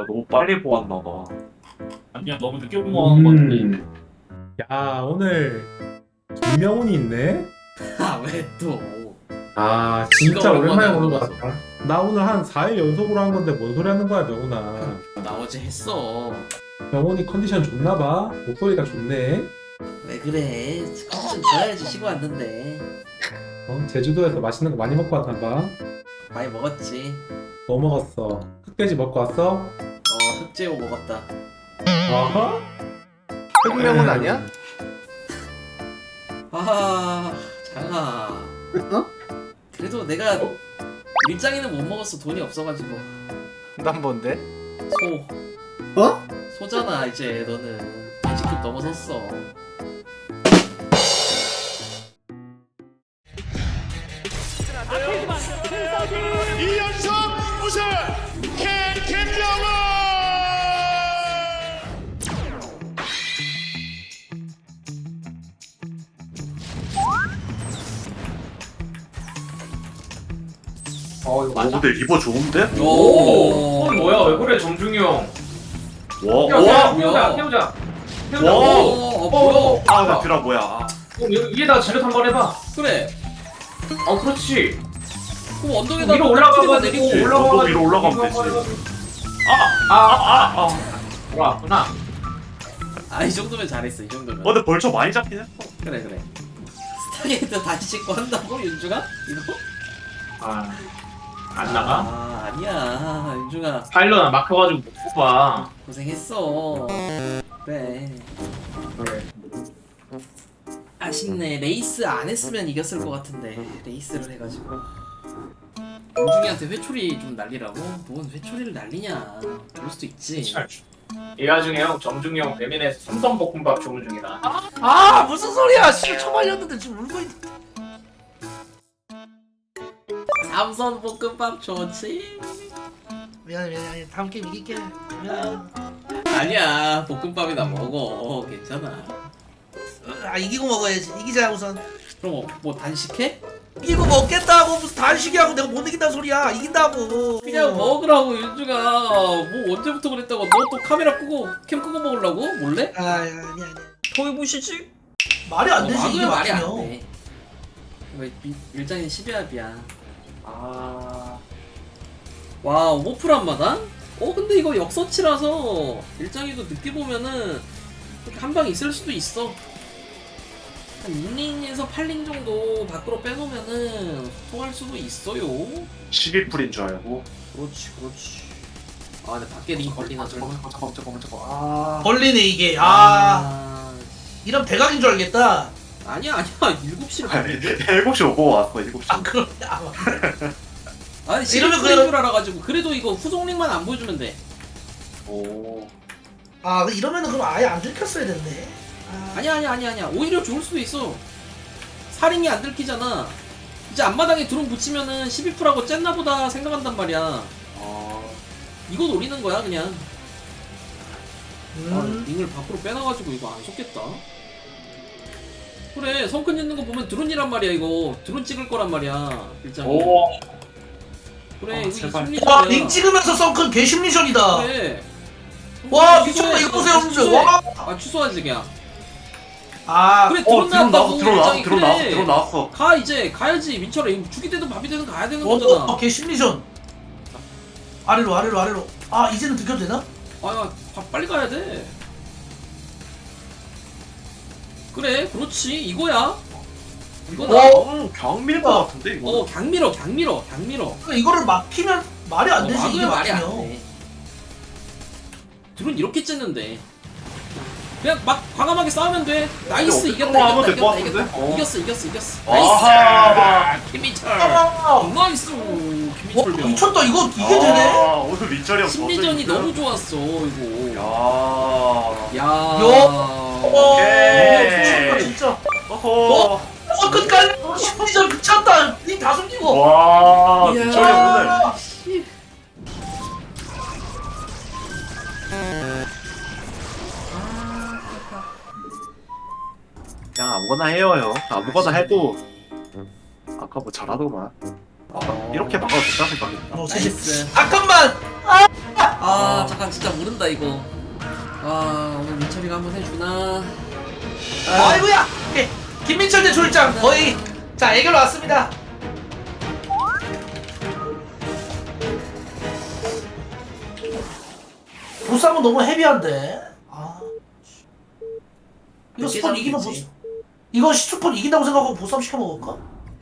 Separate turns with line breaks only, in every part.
너무 빨리 보았나봐.
아니야 너무 늦게 본거같은
야 오늘 김명훈이 있네?
왜 또?
아 진짜
진짜
오랜만에
오랜만에
보는 것
보는
같다. 나 오늘 한 4일 연속으로 한 건데 뭔 소리 하는 거야 명훈아.
나 어제 했어.
명훈이 컨디션 좋나봐. 목소리가 좋네.
왜 그래? 컨디션 좋아야지 쉬고 왔는데.
제주도에서 맛있는 거 많이 먹고 왔나봐.
많이 먹었지.
뭐 먹었어? 흑돼지 먹고 왔어?
흑제오 먹었다.
아하?
흑명은 아니야?
아, 장아.
어?
그래도 내가 일장이는 못 먹었어. 돈이 없어가지고.
난 뭔데?
소.
어?
소잖아 이제 너는. 돼지급 넘어섰어.
이연속 우승 김명훈.
이거 맞아?
근데 리버 좋은데?
오.
뭐야 왜 그래 정중이 형.
와,
태우자
와,
태우자 태우자.
와.
태우자.
뭐야?
아, 나 드라 뭐야?
위에다가 자력 한번 해봐.
그래.
그렇지.
그럼 언덕에다
위로 올라가가지고
내리고.
올라가가지고 위로 올라가면 되지.
올라왔구나.
이 정도면 잘했어. 이 정도면.
근데 벌써 많이 잡긴 했어.
그래. 스타게이트 다시 씻고 한다고 윤주가? 이거?
안 나가?
아니야 윤주가
파일럿 막혀가지고 못 뽑아.
고생했어. 그래. 아쉽네. 레이스 안 했으면 이겼을 것 같은데 레이스를 해가지고 윤중이한테 회초리 좀 날리라고? 뭔 회초리를 날리냐. 그럴 수도 있지.
이 와중에 형 정중이 형 배민에서 삼선볶음밥 주문 중이다.
무슨 소리야? 씨 처말렸는데 지금 울고 있.
삼선 볶음밥 좋지?
미안해. 다음 게임 이길게. 미안해.
아니야 볶음밥이나 먹어. 괜찮아.
이기고 먹어야지. 이기자 우선.
그럼 뭐 단식해?
이기고 먹겠다고 무슨 단식이하고 내가 못 이긴다는 소리야. 이긴다고.
그냥 먹으라고 윤주가. 뭐 언제부터 그랬다고. 너 또 카메라 끄고 캠 끄고 먹으려고? 몰래?
아니야.
토이 부시지?
말이 안 되지. 이게
말이 안
맞으면.
돼. 왜 일장이 12합이야. 와 오버풀 한마당? 근데 이거 역서치라서 일장이도 늦게 보면은 한 방 있을 수도 있어. 한 6링에서 8링 정도 밖으로 빼놓으면은 통할 수도 있어요.
12풀인 줄 알고.
그렇지. 근데 밖에 링 걸리나 설마?
잠깐만.
걸리네 이게. 이런 대각인 줄 알겠다.
아니야 7시를 봤는데?
7시 오고 왔어, 7시.
그럼.
아니
이러면
11링 줄 알아가지고. 그래도 이거 후속링만 안 보여주면 돼.
오.
이러면은 그럼 아예 안 들켰어야 됐네.
아니야. 오히려 좋을 수도 있어. 사링이 안 들키잖아. 이제 앞마당에 드론 붙이면은 12%하고 쨌나보다 생각한단 말이야. 이거 노리는 거야 그냥. 링을 밖으로 빼놔가지고 이거 안 속겠다. 그래 성큰 있는 거 보면 드론이란 말이야. 이거 드론 찍을 거란 말이야 일장. 그래 이거
제발.
심리전이야.
링 찍으면서 썬큰 개심리전이다.
그래.
와 미쳤다. 이거 보세요 여러분들. 와.
취소하지 그냥. 그래
드론
드론 나왔다고. 일장이.
드론 나왔어.
가야지 민철아. 이거 죽이 되든 밥이 되든 가야 되는 거잖아.
개심리전. 아래로. 이제는 들켜도 되나?
빨리 가야 돼. 그래, 그렇지. 이거야. 이거다.
경밀 것 같은데, 이거.
강밀어.
그러니까 이거를 막히면 말이 안 되지. 이게
막으면 말이 안
막히면.
돼. 드론 이렇게 쨌는데. 그냥 막 과감하게 싸우면 돼. 나이스.
어떻게
이겼다.
하면 될것 같은데?
이겼어.
아하.
나이스. 김민철. 나이스. 김민철 병.
미쳤다. 이게 되네.
오늘 민철이 형
심리전이 너무 좋았어, 이거.
야.
미쳤다 진짜.
어허.
끝까지 심리전 미쳤다. 니 다 숨기고.
와, 민철이 형 오늘. 그냥 아무거나 해요, 형. 아무거나 해도 아까 뭐 잘하더만. 이렇게 막아도 된다 생각했다.
나이스.
잠깐만.
아 잠깐 진짜 모른다 이거. 아 오늘 민철이가 한번 해주나?
아이고야. 예, 김민철 대 조일장 거의 자 해결 왔습니다. 보쌈은 너무 헤비한데. 아. 이거
늦게
스폰 이기면
잡겠지.
이거 스폰 이긴다고 생각하고 보쌈 시켜 먹을까?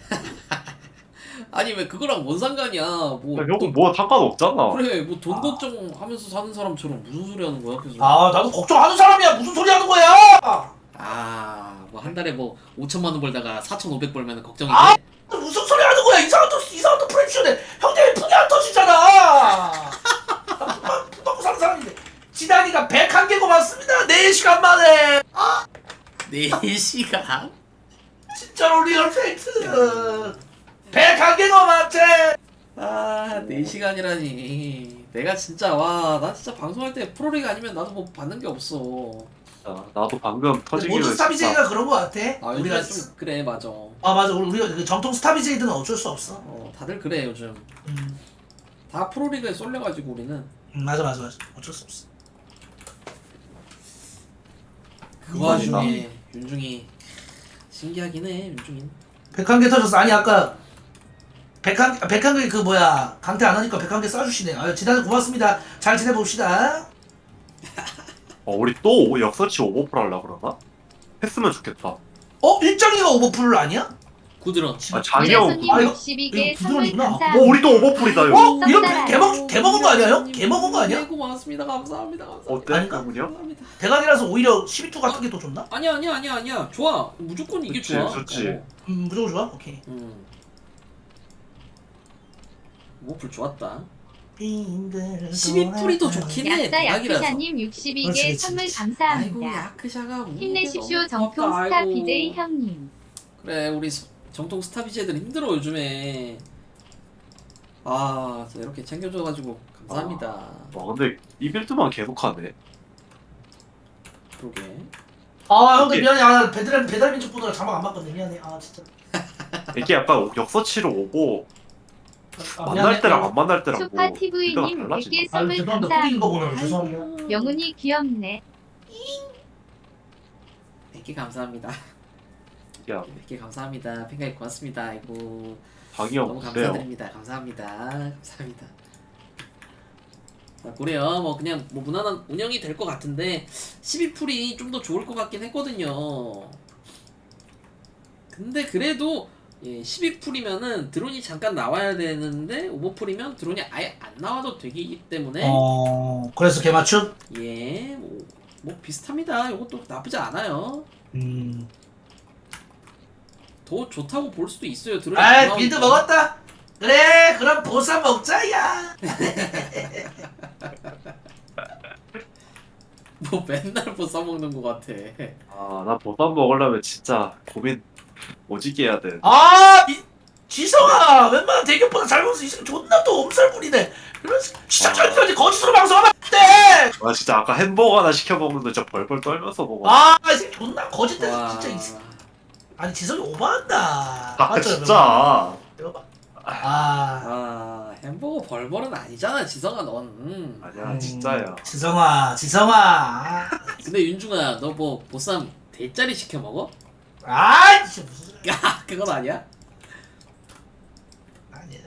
아니 왜 그거랑 뭔 상관이야? 뭐
야, 형은 뭐 상관없잖아.
그래 뭐 돈 걱정하면서 사는 사람처럼 무슨 소리 하는 거야 계속.
아 나도 걱정하는 사람이야. 무슨 소리 하는 거야?
뭐 한 달에 뭐 5천만 원 벌다가 4,500 벌면 걱정이
아!
돼?
무슨 소리 하는 거야? 이상한 또 프레시오네. 형님이 풍이 안 터지잖아. 돈 받고 사는 사람인데. 지단이가 101개 고맙습니다. 4시간 만에.
4시간?
진짜로 리얼 팩트. 101개 고맙지.
아 4시간이라니. 내가 진짜 나 진짜 방송할 때 프로리그 아니면 나도 뭐 받는 게 없어.
나도 방금 터지기로
모든 스타비제이가 그런 거 같아.
아
우리가
요즘에 좀 그래 맞아.
아 맞아. 우리가 그 정통 스타비제이들은 어쩔 수 없어.
다들 그래 요즘. 다 프로리그에 쏠려가지고 우리는.
맞아. 어쩔 수 없어.
그 와중에 윤중이 신기하긴 해 윤중이.
101개 터졌어. 아니 아까 101개 그 뭐야 강퇴 안 하니까 101개 쏴주시네. 아유 지단이 고맙습니다. 잘 지내봅시다.
우리 또 역서치 오버풀 하려고 그러나? 했으면 좋겠다.
일정이가 오버풀 아니야?
구드러.
장영.
아, 이거
62개
부드러운
선물
이구나.
감사합니다.
우리 또 오버풀이다 이거.
이런 개먹은 거 아니야 형? 개먹은 거 아니야?
네 고맙습니다 감사합니다.
어때?
아닌가?
그분이요?
감사합니다.
대각이라서 오히려 12투 같은 게 더 좋나?
아니야 좋아 무조건 이게
그치,
좋아.
좋지.
무조건 좋아? 오케이.
뭐불 좋았다.
12풀이
12풀이도 좋긴 해.
약사
대박이라서.
약사님 62개
그렇지,
선물
그렇지.
아이고
감사합니다.
야크샤가
힘내십시오 정통 스타 BJ 형님.
그래 우리 정통 스타 BJ들 힘들어 요즘에. 진짜 이렇게 챙겨줘가지고 감사합니다.
근데 이 빌드만 계속하네.
그러게.
형들 미안해. 배달 민족 보느라 자막 안 봤거든. 미안해. 진짜.
이게 약간 역서치로 오고 만날
미안해.
때랑 안 만날 때랑
소파
뭐
TV님
빌드가 달라지나?
100개 선물
죄송합니다. 뿌린 거 보느라
감사합니다.
죄송합니다.
명훈이 귀엽네.
100개 감사합니다.
야
100개 감사합니다. 팬가입 고맙습니다. 아이고
방이
너무
없어요.
감사드립니다. 감사합니다. 그래요. 뭐 그냥 뭐 무난한 운영이 될 것 같은데 12풀이 좀 더 좋을 것 같긴 했거든요. 근데 그래도 12풀이면은 드론이 잠깐 나와야 되는데 오버풀이면 드론이 아예 안 나와도 되기 때문에
그래서 개맞춤?
뭐 비슷합니다. 이것도 나쁘지 않아요. 더 좋다고 볼 수도 있어요. 드론이 안 나오니까.
빌드 먹었다. 그래 그럼 보쌈 먹자야.
뭐 맨날 뭐 써먹는 것 같아.
나 보쌈 먹으려면 진짜 고민 오지게 해야 돼.
지성아 웬만한 대격보다 잘 먹어서 이 새끼 존나 또 엄살 부리네. 이런 시작전까지 거짓으로 방송하면 안 돼.
진짜 아까 햄버거 하나 시켜 먹는데 진짜 벌벌 떨면서 먹어.
이 새끼 존나 거짓대서
와.
진짜 아니 지성이 오버한다.
진짜.
햄버거 벌벌은 아니잖아 지성아 넌.
아니야 진짜야.
지성아.
근데 윤중아 너 뭐 보쌈 대짜리 시켜 먹어?
진짜 무슨 소리야.
야 그건 아니야?
아니야.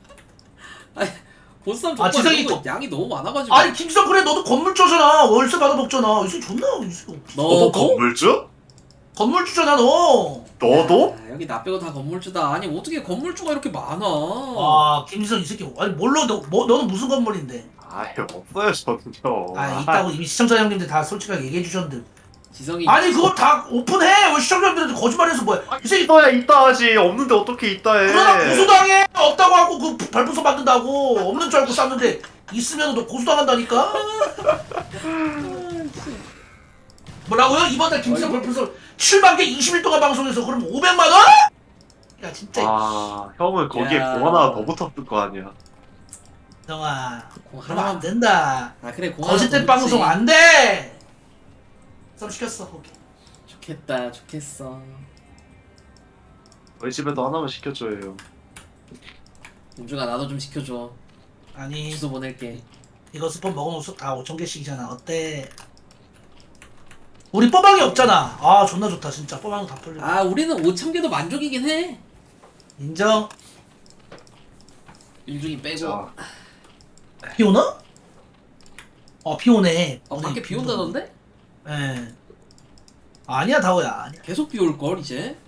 보쌈 족발
지성이
너무 양이 너무 많아가지고.
아니 김지성 그래 너도 건물주잖아. 월세 받아 먹잖아. 이 새끼 존나 이 새끼.
너도 건물주?
건물주잖아 너.
너도?
여기 나 빼고 다 건물주다. 아니 어떻게 건물주가 이렇게 많아?
김지성 이 새끼. 아니 몰라 너는 무슨 건물인데?
없어요 저는요.
있다고 이미 시청자 형님들 다 솔직하게 얘기해 주셨는데.
지성이
아니 그거 다 오픈해. 왜 시청자분들한테 거짓말해서 뭐야? 이 새끼
있다 하지. 없는데 어떻게 있다 해.
그러다 고소당해. 없다고 하고 그 발부서 만든다고. 없는 줄 알고 쌌는데 있으면 너 고소당한다니까. 뭐라고요? 이번 달 김지성 발부서 7만 개 20일 동안 방송해서 그럼 500만 원? 야 진짜.
형은 거기에
야.
공 하나 더 붙었을 거 아니야.
정아
공
그러면 안
하나만-
된다.
그래 공
거짓된
하나 더
방송
넣지.
안 돼. 썸 시켰어 거기.
좋겠어.
저희 집에도 하나만 시켜줘요.
윤중아 나도 좀 시켜줘.
아니
주소 보낼게.
이거 스폰 먹어놓으면 다 5,000개씩이잖아. 어때? 우리 뽀방이 없잖아. 아 존나 좋다 진짜. 뽀방도 다 풀려.
아 우리는 5,000개도 만족이긴 해.
인정.
일중이 빼고.
자,
비 오나? 비 오네.
밖에 비 온다던데?
예. 아니야 다오야. 아니야.
계속 비 올 걸 이제.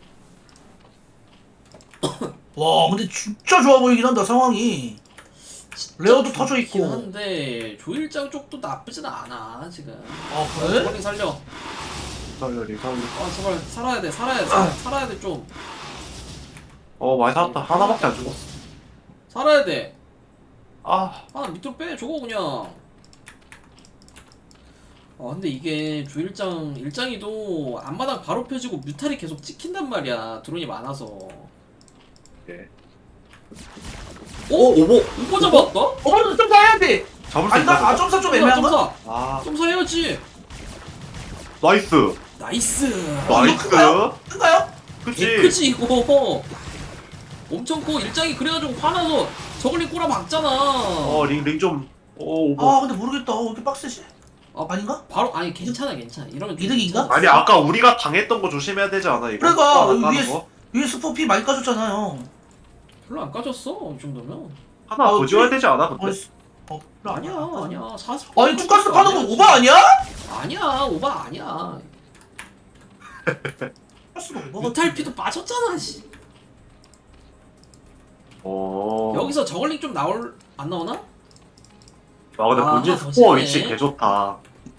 와 근데 진짜 좋아 보이긴 한다 상황이. 레어도 터져 있고.
좋긴 한데 조일장 쪽도 나쁘진 않아 지금.
그래?
저걸링 살려.
살려.
아 제발 살아야 돼 살아야 돼 좀.
많이 살았다. 하나밖에 안 죽었어.
살아야 돼.
아,
하나 밑으로 빼 저거 그냥. 근데 이게 조일장 일장이도 앞마당 바로 펴지고 뮤탈이 계속 찍힌단 말이야 드론이 많아서.
네.
오?
오버.
오버 잡았다?
오버도 좀 가야 돼.
잡을 수
아니
있나?
나 점사 좀 애매한가?
점사
아,
점사 해야지.
나이스.
나이스.
나이스.
큰가요?
그치.
크지 이거. 엄청 커. 일장이 그래가지고 화나서 저글링 꼬라 박잖아.
링 좀. 오버.
근데 모르겠다. 왜 이렇게 빡세지? 아닌가?
바로 아니 괜찮아. 이러면 좀
이득인가?
괜찮아.
아니, 아까 우리가 당했던 거 조심해야 되지 않아, 이거?
그러니까,
안 까는
위에
거?
위에 스포피 많이 까줬잖아요.
별로 안 까졌어 이 정도면.
하나 더 지어야 되지 않아, 근데?
별로
아니야 40.
아니 투가스 파는 거 오바 아니야?
아니야 오바 아니야.
투가스가 오바가
뮤탈피도 빠졌잖아 씨.
여기서.
여기서 저글링 좀 안 나오나?
근데
아,
본진
더
스포어
지네.
위치 개 좋다.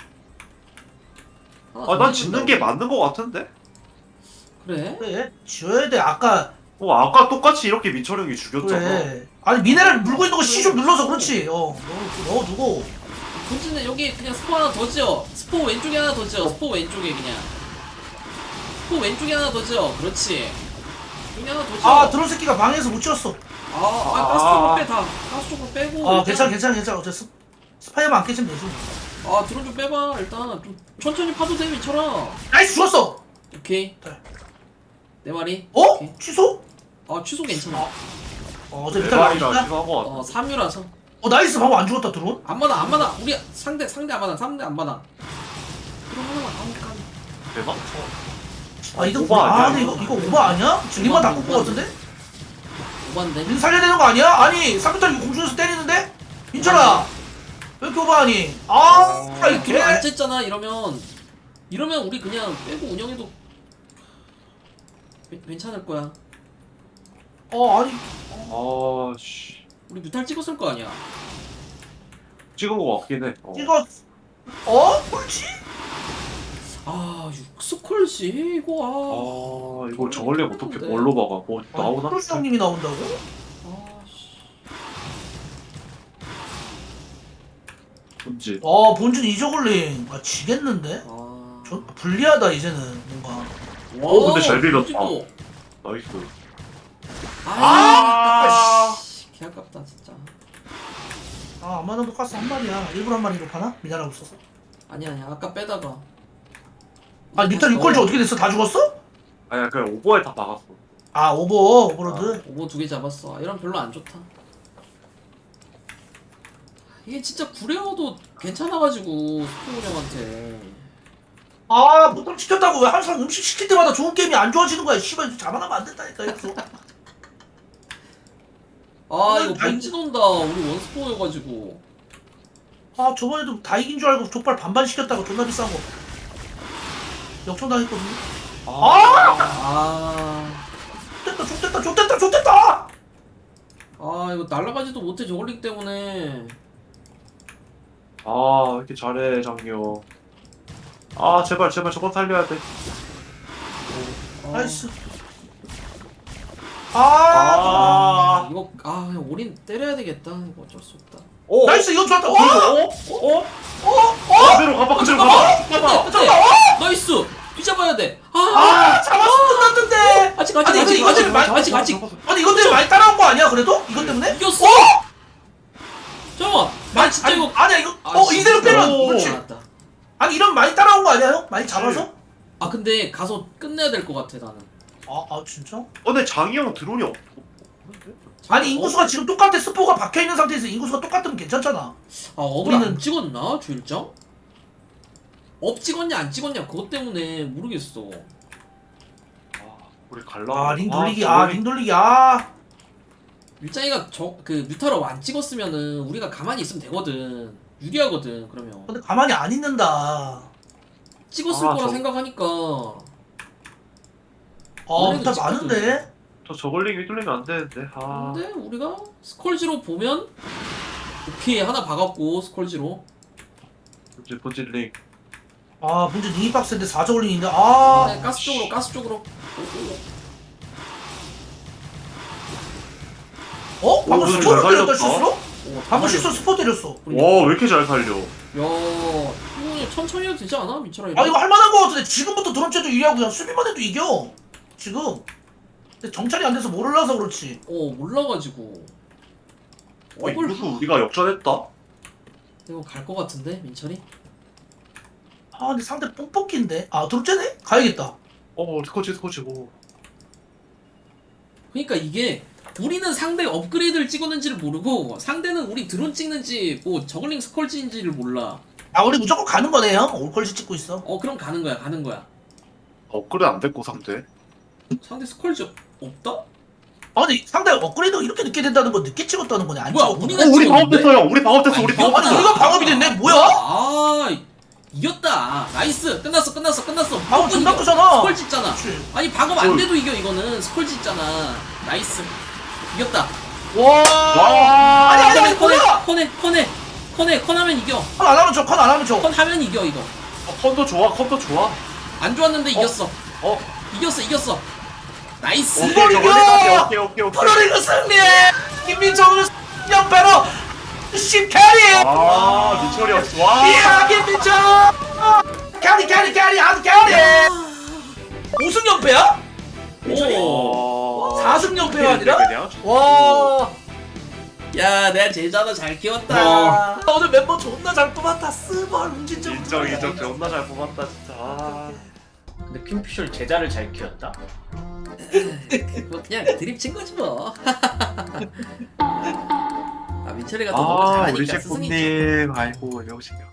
하나
난
더
짓는 게 맞는 거 같은데?
그래?
그래 지어야 돼. 아까
아까 똑같이 이렇게 민철형이 죽였잖아.
그래. 아니 미네랄 물고 있는 거 C 좀 눌러서 그렇지. 넣어두고.
본진은 여기 그냥 스포 하나 더 지어. 스포 왼쪽에 하나 더 지어. 스포 왼쪽에 그냥. 스포 왼쪽에 하나 더 지어. 그렇지. 여기 하나 더 지어.
드론 새끼가 방에서 못 지었어.
가스 쪽으로 빼 다. 가스 쪽으로 빼고. 일단-
괜찮아. 어째 스파이어만 안 깨지면 되지.
드론 좀 빼봐. 일단 좀 천천히 파도 돼 미쳐라.
나이스 죽었어.
오케이.
네.
내 말이.
어?
오케이.
취소?
취소 괜찮아.
어제 밑에
대박이라
나왔다.
지금 한거 같아.
3유라서.
나이스 방금 안 죽었다 드론.
안마당. 우리 상대 안마당. 드론 하나만 아무까지.
대박.
이거
오바 아니야,
근데
이거?
이거 오바 아니야? 지금 림만 다 꽂고 같은데?
오반데.
린 살려야 되는 거 아니야? 아니 3m 이거 공중에서 때리는데? 민철아 왜 이렇게 오바하니?
아니 드론 안
이게
쬐잖아 이러면 우리 그냥 빼고 운영해도 괜찮을 거야.
아니
씨.
우리 뮤탈 찍었을 거 아니야.
찍은 거 같긴 해.
이거 그렇지?
육스콜씨 이거
이거 저걸리 어떻게 뭘로 박아? 뭐 나오나?
크루스 형님이 나온다고?
본진.
본진 이저글링 지겠는데?
아.
불리하다 이제는 뭔가.
근데 잘 빌렸다.
찍고.
나이스.
개 아깝다 진짜.
안마당도 가스 한 마리야. 일부러 한 마리로 파나? 미나라고 써서.
아니야 아까 빼다가.
밑에 6골즈 어떻게 됐어? 다 죽었어?
아니야, 그냥 오버에 다 박았어.
오버로드.
오버 2개 잡았어. 이런 별로 안 좋다. 이게 진짜 구레어도 괜찮아가지고 스포 운영한테.
보통 시켰다고 왜 항상 음식 시킬 때마다 좋은 게임이 안 좋아지는 거야. 씨발 잡아나면 안 된다니까 이거.
이거 본진 온다. 우리 원스포여가지고.
저번에도 다 이긴 줄 알고 족발 반반 시켰다가 존나 비싼 거 역전당했거든요. 좋됐다.
이거 날아가지도 못해 저걸링 때문에.
왜 이렇게 잘해, 장요. 제발 저거 살려야 돼.
나이스.
이거 그냥 올인 때려야 되겠다. 이거 어쩔 수 없다.
나이스 이거 좋았다.
그대로 가봐.
끝내. 나이스. 뒤잡아야 돼.
잡았어 끝났는데.
아직.
아니, 이거 때문에 많이 아니 이것 때문에 많이 따라온 거 아니야 그래도? 이것 때문에?
이겼어. 잠깐만. 진짜 이거.
아니야 이거 이대로 빼면 그렇지.
알았다.
아니 이러면 많이 따라온 거 아니야 형? 많이 잡아서?
근데 가서 끝내야 될 것 같아 나는.
진짜?
근데 장이 형 드론이 없는데?
아니 인구수가 지금 똑같아. 스포가 박혀있는 상태에서 인구수가 똑같으면 괜찮잖아.
아 업을 안
우리는-
찍었나 주일장? 업 찍었냐 안 찍었냐 그것 때문에 모르겠어.
아, 우리 갈라.
링 돌리기 링 돌리기
일장이가 그 뮤타로 안 찍었으면은 우리가 가만히 있으면 되거든. 유리하거든 그러면.
근데 가만히 안 있는다.
찍었을
아,
거라
저-
생각하니까.
뮤탈
찍거든.
많은데?
저 저글링 휘둘리면 안 되는데. 아.
근데 우리가 스컬지로 보면 오케이 하나 박았고 스컬지로.
본질 링.
문제 링이 박스인데 4저글링인데
네, 가스 쪽으로 가스 쪽으로.
방금
오늘
스포를
잘
때렸다
살렸다.
실수로? 방금 실수 스포 때렸어.
와, 왜 이렇게 잘 살려?
야 이거 천천히 해도 되지 않아 민철아?
이거 할만한 거 같은데 지금부터 드럼체도 유리하고 그냥 수비만 해도 이겨 지금. 근데 정찰이 안 돼서 몰라서 그렇지.
몰라가지고.
이것도 우리가 역전했다?
이거 갈 것 같은데 민철이?
근데 상대 뽕뽑기인데. 드럼체네? 가야겠다.
스코치. 오.
그러니까 이게 우리는 상대 업그레이드를 찍었는지를 모르고 상대는 우리 드론 찍는지 뭐 저글링 스컬지인지를 몰라.
우리 무조건 가는 거네 형. 올컬지 찍고 있어.
그럼 가는 거야.
업그레이드 안 됐고, 상대.
상대 스컬지 없다?
근데 상대 업그레이드가 이렇게 늦게 된다는 건 늦게 찍었다는 거네. 안
뭐야,
찍었구나.
우리가
우리
찍었는데?
방업됐어요. 우리 방업됐어. 우리
아니,
아니
방업됐어.
우리가 방업이 됐네. 뭐야?
이겼다. 나이스. 끝났어.
방업 존나 크잖아.
스컬지 있잖아.
그렇지.
아니 방업 안 돼도 이겨 이거는. 스컬지 있잖아. 나이스. 이겼다.
와.
아니 뭐야?
컨 하면 이겨.
컨 안 하면 줘. 컨 안 하면 줘.
컨 하면 이겨 이거.
컴도 좋아.
안 좋았는데 이겼어.
어?
이겼어. 나이스.
오케이, 저글링까지. 오케이.
프로리그 승리해. 김민철은 연패로 10캐리.
민철이 와.
이야 김민철. 캐리 아주 캐리. 5승 연패야?
오.
4승 연패가 아니라?
그냥?
와.
야 내가 제자도 잘 키웠다.
오늘 멤버 존나 잘 뽑았다. 스벌 운진점.
인정. 존나 잘 뽑았다, 진짜.
근데 킹피셜 제자를 잘 키웠다.
그거 그냥 드립 친 거지 뭐. 민철이가 또 너무 잘하니까
우리
스승이지.
셰프님. 아이고, 여보세요.